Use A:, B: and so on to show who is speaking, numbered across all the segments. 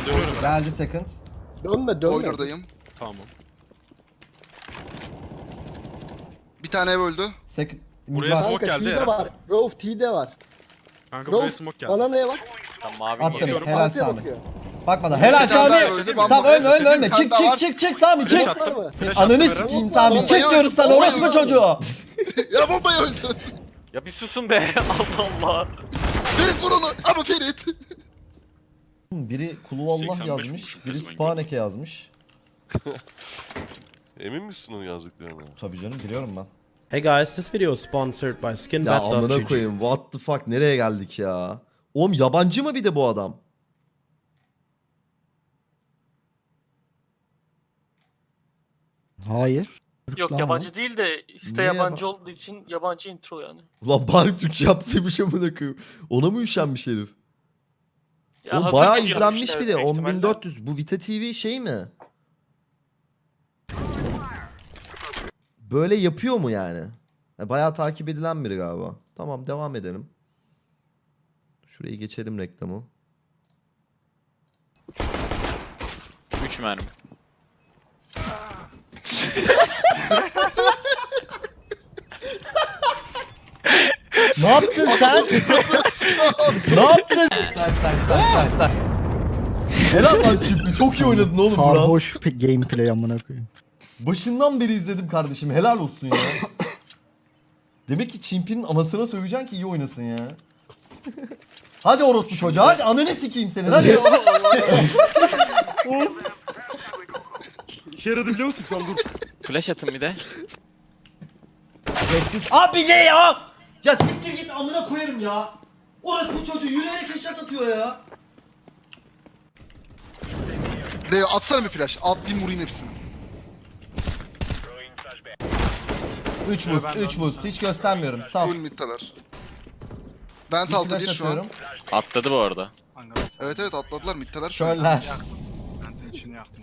A: Dönüyorum.
B: Geldi second.
C: Dönme.
D: Boiler'dayım.
A: Tamam.
D: Bir tane ev öldü.
B: Second.
A: Buraya
B: Var.
A: smoke
C: Kanka
A: geldi
C: T'de
A: ya.
C: var. Grove T'de var.
A: Kanka buraya
C: Grove
A: smoke geldi.
C: bana neye bak?
E: Tam mavi
B: Attım.
E: geliyor.
B: Helal
C: Arkaya
B: Sami.
C: bakıyor.
B: Bakmadan. Helal
D: Bir tane daha
B: Sami.
D: öldü.
B: Tamam ölme ölme ölme.
D: Bir tane
B: Çık
D: daha var.
B: çık çık Sami
A: Flash
B: çık.
A: attım.
C: Var mı?
A: Flash
B: Ananı
A: attım
B: sikeyim
A: Eren.
B: Sami.
D: Bombayı
B: Çık diyoruz sana
D: öldü,
B: orospu
D: bombayı
B: çocuğu.
D: Ya bombayı öldü.
E: Ya bir susun be. Allah Allah.
D: Ferit vur onu. Ama Ferit.
B: Biri Kuluvallah
A: 85
B: yazmış. Biri
A: yazmayın.
B: Spaneke yazmış.
F: Emin misin onun yazdıklarına?
B: Tabii canım biliyorum ben.
G: Hey guys, this video is sponsored by
B: Ya
G: SkinBet.gg.
B: amına koyayım. What the fuck nereye geldik ya? Oğlum yabancı mı bir de bu adam?
C: Hayır.
H: Yok yabancı değil de işte
B: Niye
H: yabancı olduğu için yabancı intro yani.
B: Ulan bari Türkçe yapsaymış amına koyayım. Ona mı üşenmiş herif?
H: Ya
B: Oğlum
H: hazır
B: bayağı
H: geliyormuş
B: izlenmiş
H: işte,
B: bir de.
H: büyük ihtimalle.
B: 10.400. Bu Vita TV şey mi? Böyle yapıyor mu yani? Bayağı takip edilen biri galiba. Tamam devam edelim. Şurayı geçelim reklamı.
E: 3 mermi.
B: Ne yaptın sen? Ne yaptın? Helal lan Çipi. Çok iyi oynadın oğlum Burak.
C: Sarhoş gameplay amına koyayım.
B: Başından beri izledim kardeşim. Helal olsun ya. Demek ki Çimpi'nin amasına söveceksin ki iyi oynasın ya. Hadi orospu çocuğa. Hadi ananı sikeyim senin. Hadi.
A: İşe yaradı biliyor musun şu an dur.
E: Flash atın bir de.
B: Geçtik. Abi ne ya? Ya siktir git amına koyarım ya. Orospu çocuğu yürüyerek headshot atıyor ya.
D: Leo atsana bir flash. Atlayayım vurayım hepsini.
B: 3 boost, 3 boost. Hiç göstermiyorum. Sağ
D: Full mid'talar. Vent
B: Bir
D: altı
B: flash
D: bir şu an.
B: atıyorum.
E: Atladı bu arada.
D: Evet evet atladılar mid'talar şu an.
B: Şöller.
A: Ben de içini yaktım.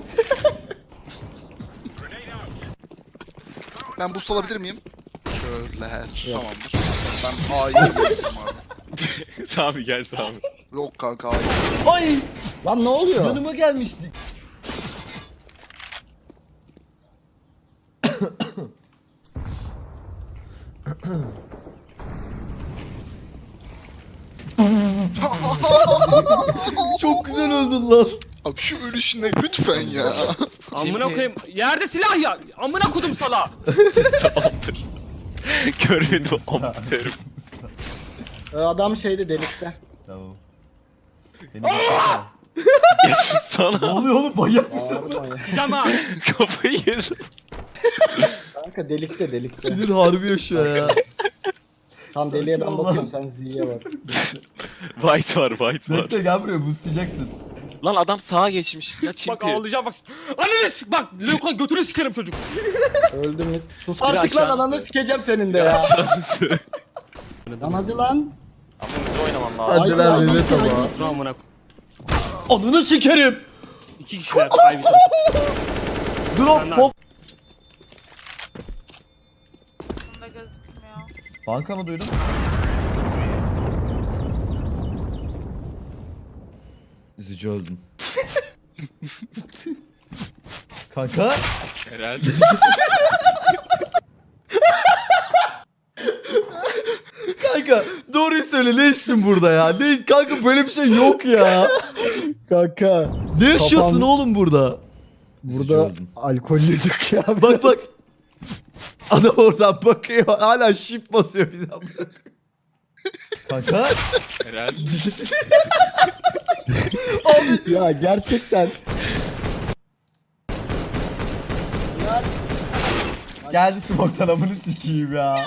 D: Ben boost alabilir miyim? Körler. Tamamdır. Ben A'yı yapıyorum abi.
E: Sami gel Sami.
D: Yok kanka A'yı.
B: Ay!
C: Lan ne oluyor?
B: Yanıma gelmiştik. Çok güzel öldün lan.
D: Abi şu ölüşüne lütfen ya.
H: Amına koyayım. Yerde silah ya. Amına kodum sala.
E: Tamamdır. Görmedim amatörüm.
C: Adam şeyde delikte.
B: Tamam. Beni başlasana.
E: Ya sussana.
B: Ne oluyor oğlum manyak mısın?
H: Cama.
E: Kafayı yedim.
C: Kanka delikte.
B: Sinir harbi yaşıyor ya.
C: Tam deliğe ben
B: Allah.
C: bakıyorum sen Z'ye bak.
E: White var white var.
B: Bekle gel buraya boostlayacaksın.
E: Lan adam sağa geçmiş. Ya
H: Bak
E: çimpi.
H: ağlayacağım bak. Ananı sik bak. Leokan götünü sikerim çocuk.
C: Öldüm mü? Sus
E: Bir
C: artık lan
E: aşağısı.
C: ananı sikeceğim senin de ya. Lan hadi lan.
E: Ama hızlı oynaman lazım.
B: Hadi
C: Ay,
B: lan
C: ay,
B: Mehmet
C: ay,
B: ama.
H: Dur amına.
B: Ananı sikerim.
H: 2 kişiler. Ay bir taraf.
B: Drop pop.
I: Bunda gözükmüyor.
B: Banka mı duydun? Üzücü oldun. Kanka.
E: Herhalde.
B: Kanka doğruyu söyle ne içtin burada ya? Ne kanka böyle bir şey yok ya.
C: Kanka.
B: Ne yaşıyorsun
C: Kafam-
B: oğlum burada?
C: Burada
B: oldun.
C: alkollüydük ya.
B: Bak bak. Adam oradan bakıyor hala shift basıyor bir daha. Kanka.
E: Herhalde.
B: Abi.
C: Ya gerçekten.
B: Geldi smoke'tan amını sikeyim ya.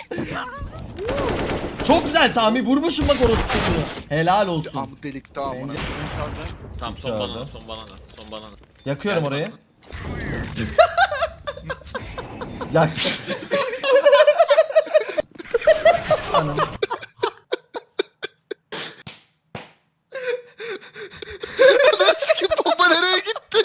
B: Çok güzel Sami vurmuşum bak orası çocuğu. Helal olsun.
D: Am delikte amına.
E: Tamam son
B: Güzeldi.
E: banana son banana son banana.
B: Yakıyorum
E: Geldi
B: orayı. Yak. Anam.
D: Sikim bomba nereye gitti?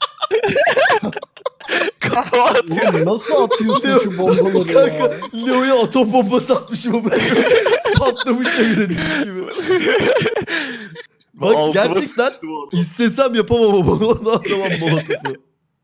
E: Kafa atıyor.
C: Oğlum nasıl atıyorsun şu bombaları ya?
B: Kanka Leo'ya atom bombası atmışım ama patlamış evde gibi. Bak
E: Altıma
B: gerçekten
E: sıçtı bu arada.
B: istesem yapamam ama onu atamam molotofu.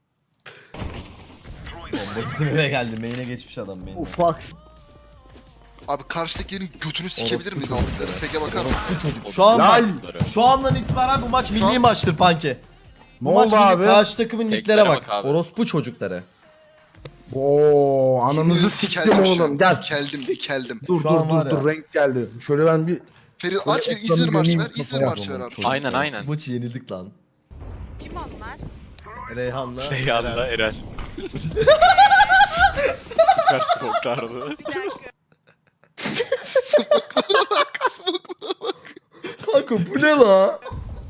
B: Bomba bizim eve geldi. Main'e geçmiş adam main'e.
C: Ufak.
D: Abi karşıdakilerin götünü sikebilir miyiz aldıkları? Teke bakar mısın?
B: Orospu çocuk. Şu andan itibaren bu maç milli maçtır Panki. Bu
C: Ne
B: maç
C: oldu
B: milli.
C: abi?
B: Karşı takımın
E: Teklere
B: niklere bak.
E: bak abi.
B: Orospu çocukları.
C: Oo, ananızı siktim oğlum. Gel.
D: Dikeldim.
C: Dur
B: Şu an
C: dur
B: var
C: dur
B: ya.
C: dur renk geldi. Şöyle ben bir
D: Ferit aç bir
C: ekranı
D: İzmir marşı ver.
C: göreyim,
D: İzmir
C: kafaya
D: marşı ver abi.
B: Çocuklar,
E: Aynen, aynen.
B: Bu maçı yenildik lan.
I: Kim onlar?
B: Reyhan'la.
E: Reyhan'la Eren. Süper smoke'lardı.
I: Bir dakika.
B: Kanka bu ne la?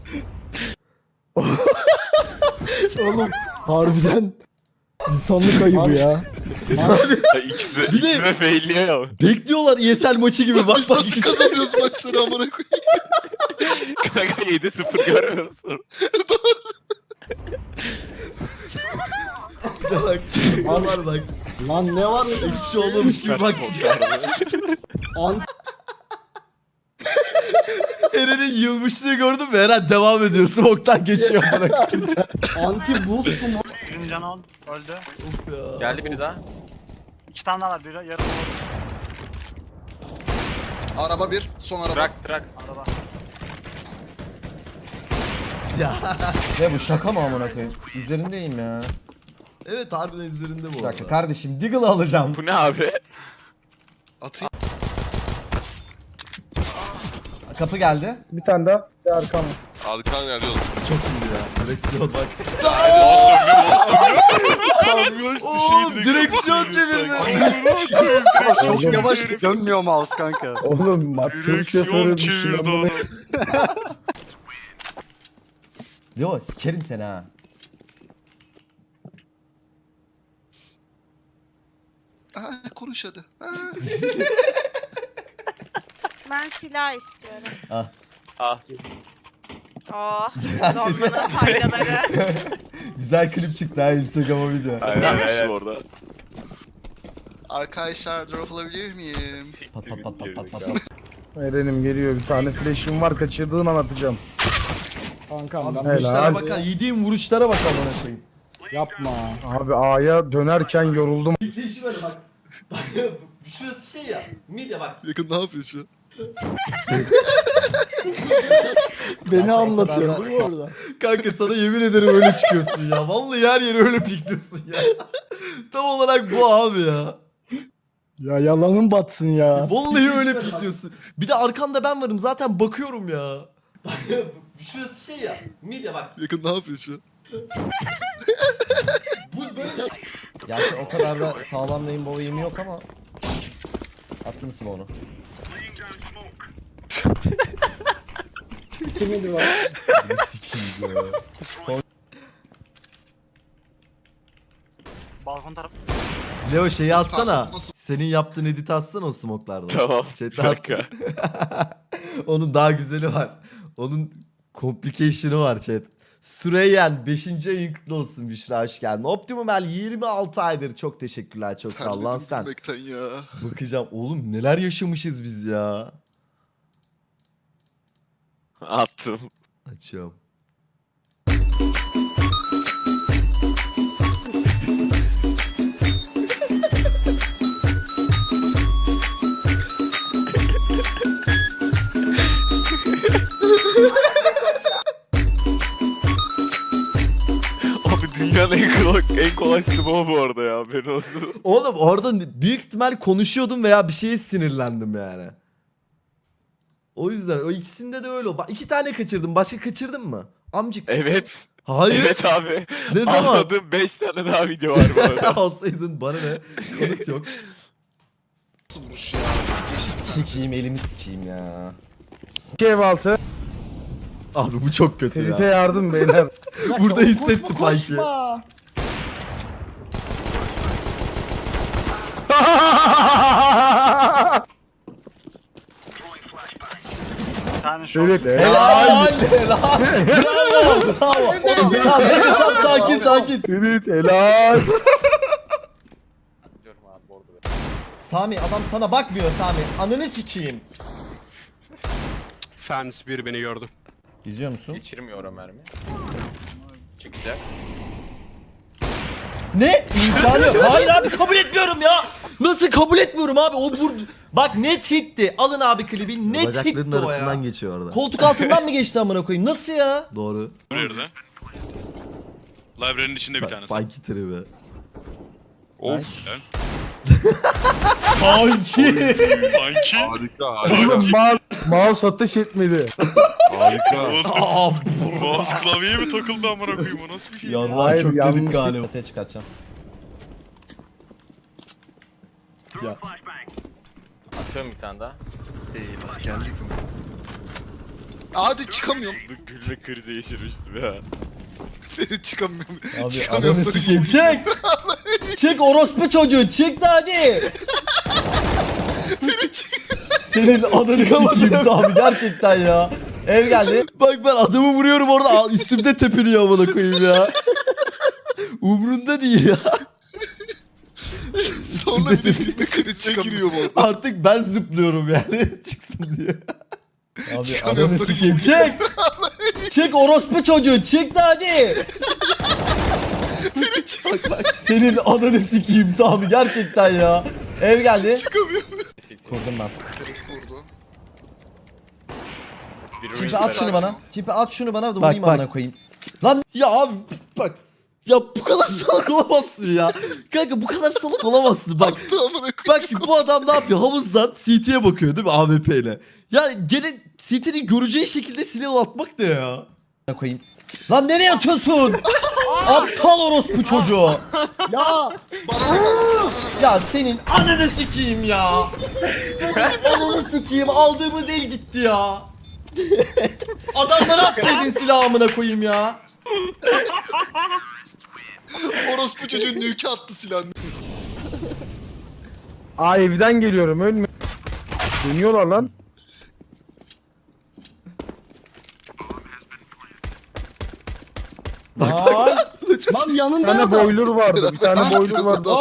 C: oğlum harbiden insanlık ayıbı ya.
E: İkisi
B: Bir de-
E: ikisine failliyor ya.
B: Bekliyorlar ESL maçı gibi bak
D: Biz
B: bak.
D: nasıl kazanıyoruz maçları amına koyayım.
E: Kanka 7-0 görmüyor musun?
B: bak. Var bak.
C: Lan ne var?
B: Hiçbir şey olmamış gibi bak.
C: An
B: Eren'in yılmışlığı gördün mü? Eren devam ediyor. Smoke'tan geçiyor bana.
C: anti boost'um.
A: Birinci canı on. Öldü.
E: Geldi biri daha.
A: 2 tane daha var. Biri yarım
D: Araba bir, son araba.
E: Trak.
A: araba.
B: Ya. Ne bu şaka mı amına koyayım? Üzerindeyim ya. Evet harbiden üzerinde bu. Bir dakika kardeşim Deagle'ı alacağım.
E: Bu ne abi?
D: Atayım.
B: Kapı geldi.
C: Bir tane daha. Bir arkam.
F: Arkan nerede oğlum?
B: Çok iyi ya. Direksiyon bak.
F: Kamyon
B: Oo, direksiyon çevirdi.
F: Çok
A: Yavaş dönmüyor mouse kanka.
C: Oğlum bak Türk şoförü bir şey lan bunu.
B: Yo sikerim seni ha.
D: Aa, konuş hadi.
I: Ben silah istiyorum.
B: Ah.
I: Oh. Dolmanın faydaları.
B: Güzel klip çıktı ha Instagram'a video.
E: Aynen orada.
D: Arkadaşlar drop alabilir miyim?
B: Pat pat pat pat pat pat.
C: Eren'im geliyor bir tane flash'im var kaçırdığın an atacağım. Kankam ben
B: Vuruşlara
C: helal.
B: bakar. Yediğim vuruşlara bak amına koyayım.
C: Yapma. Abi A'ya dönerken yoruldum.
B: İlk böyle bak. Şurası şey ya. Midye bak.
D: Yakın ne yapıyor şu an?
C: Beni
B: o
C: anlatıyor
B: kadar
C: değil
B: da-
C: mi orada?
B: Kanka sana yemin ederim öyle çıkıyorsun ya. Vallahi her yere öyle pikliyorsun ya. Tam olarak bu abi ya.
C: Ya yalanın batsın ya.
B: Vallahi öyle pikliyorsun. Bir de arkanda ben varım zaten bakıyorum ya. Şurası şey ya. Midye bak.
D: Yakın ne yapıyor şu an?
B: Bu böyle bir şey. Gerçi o kadar da sağlam rainbow aim'i yok ama. Attın onu.
C: Kimidi var?
B: Sikiyim ya.
A: Balkon tarafı.
B: Leo şeyi atsana.
D: Kanka, nasıl-
B: Senin yaptığın edit atsana o smoke'lardan.
E: Tamam.
B: Chat'e at. Onun daha güzeli var. Onun complication'ı var chat. Süreyyen 5. ayın kutlu olsun Büşra hoş geldin. Optimumel 26 aydır çok teşekkürler çok sağ ol lan
D: Terledim
B: sen.
D: gülmekten ya.
B: Bakacağım oğlum neler yaşamışız biz ya.
E: Attım.
B: Açıyorum.
E: Abi dünyanın en kolay smoke bu arada ya. Ben olsun.
B: Oğlum orada büyük ihtimal konuşuyordum veya bir şeye sinirlendim yani. O yüzden o ikisinde de öyle. Bak 2 tane kaçırdım. Başka kaçırdın mı? Amcık.
E: Evet.
B: Hayır.
E: Evet abi.
B: Ne zaman?
E: Anladım 5 tane daha video var bu arada.
B: Alsaydın bana ne? Kanıt yok.
D: Nasıl vuruş ya? Geçtim sen.
B: Sikeyim elimi sikeyim ya.
C: 2 ev altı.
B: Abi bu çok kötü
C: Ferit'e
B: ya.
C: yardım beyler.
B: Burada hissetti sanki.
A: Bir tane short.
C: Evet
B: Helal.
C: helal.
B: Helal. Bravo. Bravo. Tamam, sakin sakin.
C: Ferit helal.
B: Sami adam sana bakmıyor Sami. Ananı sikeyim.
A: Fans bir beni gördü.
B: İzliyor musun?
E: Geçirmiyor o mermi. Çıkacak.
B: Ne? İmkanı yok. Hayır abi kabul etmiyorum ya. Nasıl kabul etmiyorum abi? O vurdu. Bak net hitti. Alın abi klibi. Net hitti o ya.
J: geçiyor orada.
B: Koltuk altından mı geçti amına koyayım? Nasıl ya?
J: Doğru.
F: Nerede? Library'nin içinde bir tanesi.
J: Funky tribi.
F: Of.
B: Kanki.
F: Sanki.
C: Oğlum mouse ateş etmedi.
F: Mouse klavyeye mi takıldı amına koyayım, o nasıl bir şey?
B: Yarrağı
C: Hayır,
B: çok
C: yanlış.
B: dedik galiba. Ortaya çıkartacağım. Ya.
E: Atıyorum bir tane daha.
D: Eyvah geldik mi? Hadi çıkamıyorum.
E: Gülme krizi geçirmiştim ya.
D: Ferit çıkamıyorum.
B: Abi
D: Çıkamıyorum.
B: adamı sikeyim. Çık. Çık orospu çocuğu. Çık da hadi. Senin adını sikeyim abi gerçekten ya. Ev geldi. Bak ben adamı vuruyorum orada üstümde tepiniyor amına koyayım ya. Umrunda değil ya.
D: Sonra bir de filme krize giriyor bu arada.
B: Artık ben zıplıyorum yani çıksın diye. Abi
D: Çıkamıyorum.
B: adamı sikeyim. Çık. Çık orospu çocuğu. Çık da hadi. Bak bak senin ananı sikeyim Sami gerçekten ya. Ev geldi.
D: Çıkamıyorum.
B: Kurdum ben.
D: Ferit vurdu.
B: Çipi at şunu bana. Çipi at şunu bana da vurayım amına koyayım. Lan ya abi bak. Ya bu kadar salak olamazsın ya. Kanka bu kadar salak olamazsın bak. Bak şimdi bu adam ne yapıyor? Havuzdan CT'ye bakıyor değil mi AWP ile? Ya gene CT'nin göreceği şekilde silah atmak ne ya? Koyayım. Lan nereye atıyorsun? Aptal orospu çocuğu. Ya. Ya senin ananı sikeyim ya. Senin ananı sikeyim. Aldığımız el gitti ya. Adamlara atsaydın silahımına koyayım ya.
D: Orospu çocuğun nükü attı silahını.
C: Aa evden geliyorum ölme. Dönüyorlar lan.
B: Lan.
C: Lan yanında bir tane boiler vardı. Bir tane boiler vardı.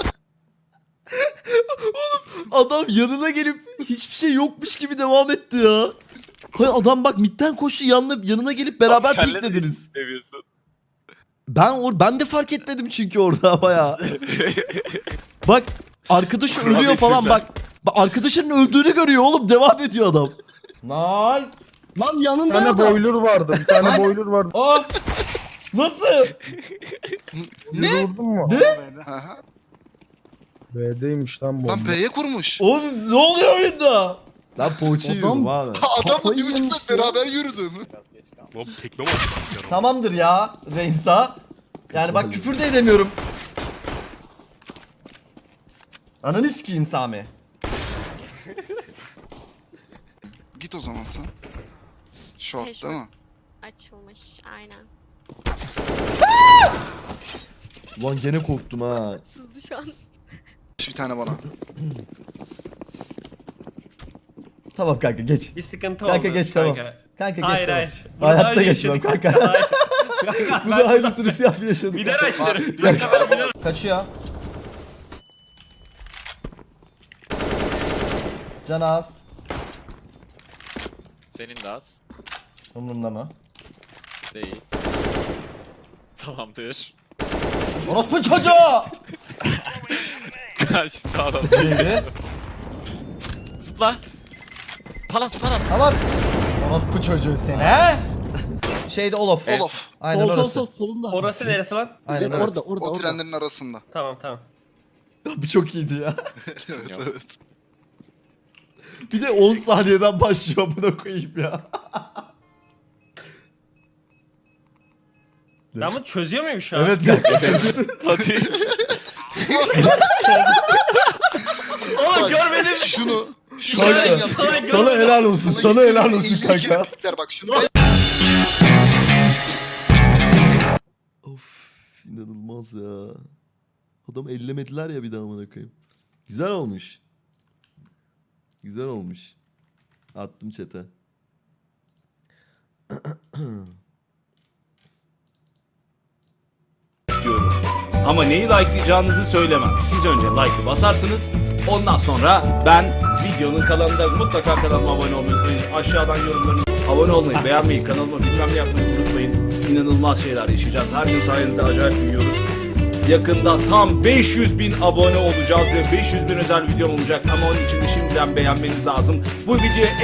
B: Adam yanına gelip hiçbir şey yokmuş gibi devam etti ya. Hayır adam bak midden koştu yanına gelip beraber piklediniz.
E: Seviyorsun.
B: Ben de fark etmedim çünkü orada baya. Bak arkadaşı ölüyor falan bak. Arkadaşının öldüğünü görüyor oğlum devam ediyor adam. Nal. Lan yanında
C: Bir tane boiler vardı. Bir tane boiler vardı.
B: Aa! Nasıl?
C: Ne? Vurdun mu?
B: Ne?
D: Aha.
C: B'deymiş lan bomba.
D: Lan P'ye kurmuş.
B: Oğlum ne oluyor oyunda? Ben poğaça yiyorum abi.
D: Adamla 1,5 saat beraber yürüdüm.
F: Hop tekme mi atıyorsun?
B: Tamamdır ya Reynsa. Yani bak küfür de edemiyorum. Ananı sikeyim Sami.
D: Git o zaman sen. Short değil mi?
I: Açılmış aynen.
B: Ulan gene korktum ha.
I: Sızdı şu an.
D: Bir tane bana.
B: Tamam kanka geç.
H: Bir sıkıntı
B: Kanka
H: oldu.
B: geç tamam. Kanka geç
H: Hayır
B: tamam.
H: hayır. Burada
B: Hayatta
H: öyle
B: geçmem
H: yaşadık.
B: kanka.
H: Hayır. Kanka,
B: Bunu aynısını bir yaşadık.
H: Bilerek
D: Var,
H: yaşadım.
D: bir dakika ben bana.
B: Kaçıyor. Can az.
E: Senin de az.
B: Umrumda mı?
E: Değil. Tamamdır.
B: Orospu çocuğu!
E: Kaçtı adam.
B: Neydi?
E: Zıpla. Palas.
B: Salak! Orospu çocuğu seni he? Şeyde Olof.
D: Olof.
B: Aynen orası.
J: solunda.
H: Orası neresi lan?
B: Aynen
D: Evet,
B: orası.
D: o trenlerin arasında.
H: Tamam tamam.
B: Bu çok iyiydi ya.
D: Evet
E: Yok.
D: evet.
B: Bir de 10 saniyeden başlıyor buna koyayım ya.
H: Ben bunu çözüyor muyum şu an?
B: Evet kanka.
E: Hadi.
H: Oğlum görmedim.
D: Şunu. Şunu
B: Kanka,
D: ben yapacağım.
B: sana helal olsun. Sana helal olsun
D: 52 kere
B: kanka.
D: biter bak şunu.
B: Of inanılmaz ya. Adam ellemediler ya bir daha amına koyayım. Güzel olmuş. Güzel olmuş. Attım chat'e.
K: Ama neyi likelayacağınızı söylemem. Siz önce like'ı basarsınız. Ondan sonra ben videonun kalanında mutlaka kanalıma abone olmayı unutmayın. Aşağıdan yorumlarınızı Abone olmayı, beğenmeyi, kanalıma bilmem ne yapmayı unutmayın. İnanılmaz şeyler yaşayacağız. Her gün sayenizde acayip büyüyoruz. Yakında tam 500.000 abone olacağız ve 500.000 özel videom olacak ama onun için de şimdiden beğenmeniz lazım. Bu videoya